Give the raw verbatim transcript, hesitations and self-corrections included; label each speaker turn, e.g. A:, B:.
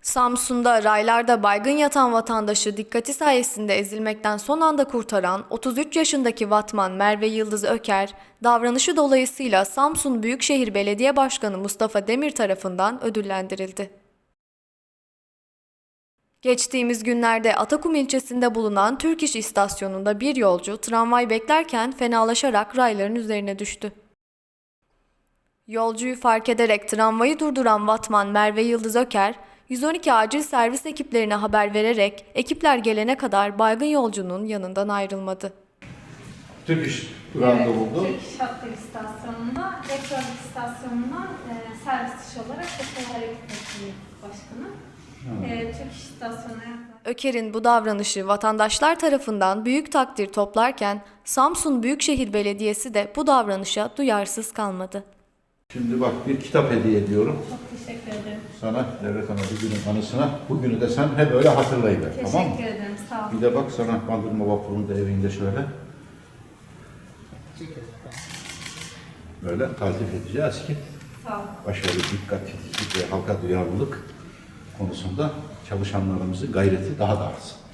A: Samsun'da raylarda baygın yatan vatandaşı dikkati sayesinde ezilmekten son anda kurtaran otuz üç yaşındaki vatman Merve Yıldız Öker, davranışı dolayısıyla Samsun Büyükşehir Belediye Başkanı Mustafa Demir tarafından ödüllendirildi. Geçtiğimiz günlerde Atakum ilçesinde bulunan Türk İş istasyonunda bir yolcu tramvay beklerken fenalaşarak rayların üzerine düştü. Yolcuyu fark ederek tramvayı durduran vatman Merve Yıldız Öker, yüz on iki acil servis ekiplerine haber vererek ekipler gelene kadar baygın yolcunun yanından ayrılmadı.
B: Türk İş durağında
C: evet,
B: bulundu.
C: Türk İş Hatları istasyonunda, elektronik istasyonundan e, servis dışı olarak Tekrar Hareket Ettiği Başkanı. E, Türk İş istasyonuna yaklaştı.
A: Öker'in bu davranışı vatandaşlar tarafından büyük takdir toplarken Samsun Büyükşehir Belediyesi de bu davranışa duyarsız kalmadı.
B: Şimdi bak bir kitap hediye ediyorum.
C: Çok teşekkür ederim.
B: Sana Devlet Ana bugünün anısına. Bugünü de sen hep öyle hatırlayıver.
C: Teşekkür
B: Tamam mı?
C: ederim. Sağ olun.
B: Bir de bak sana Bandırma Vapuru'nda evinde şöyle. Böyle taltif edeceğiz ki
C: Sağ olun.
B: başarı, dikkat, titizlik ve halka duyarlılık konusunda çalışanlarımızın gayreti daha da artsın.